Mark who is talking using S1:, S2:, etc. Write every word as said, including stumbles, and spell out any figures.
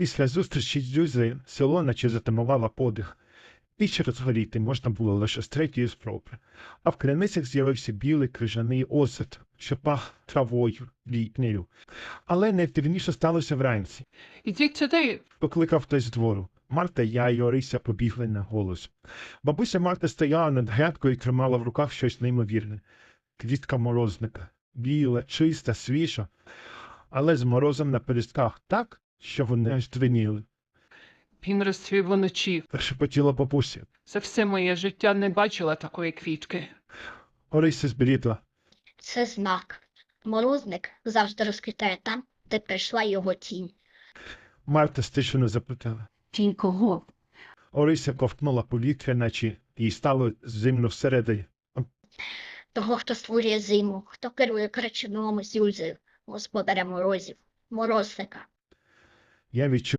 S1: Після зустрічі з Дзюзею село наче затамувало подих. Піч розгоріти можна було лише з третьої спроби, а в криницях з'явився білий крижаний осад, що пах травою, літнею. Але найдивніше сталося вранці.
S2: Ідіть сюди.
S1: Покликав хтось з двору. Марта, я і Орися побігли на голос. Бабуся Марта стояла над грядкою і тримала в руках щось неймовірне. Квітка морозника. Біла, чиста, свіжа, але з морозом на перестках так, що вони аж двиніли.
S2: Він розцвів уночі.
S1: Прошепотіла бабуся.
S2: За все моє життя не бачила такої квітки.
S1: Орися збрідла.
S3: Це знак. Морозник завжди розквітає там, де прийшла його тінь.
S1: Марта стишено запитала.
S4: Тінь кого?
S1: Орися ковтнула повітря, наче їй стало зимно всередині.
S3: Того, хто створює зиму, хто керує кричуном з Юльзею, господаря морозів, морозника.
S1: Я відчув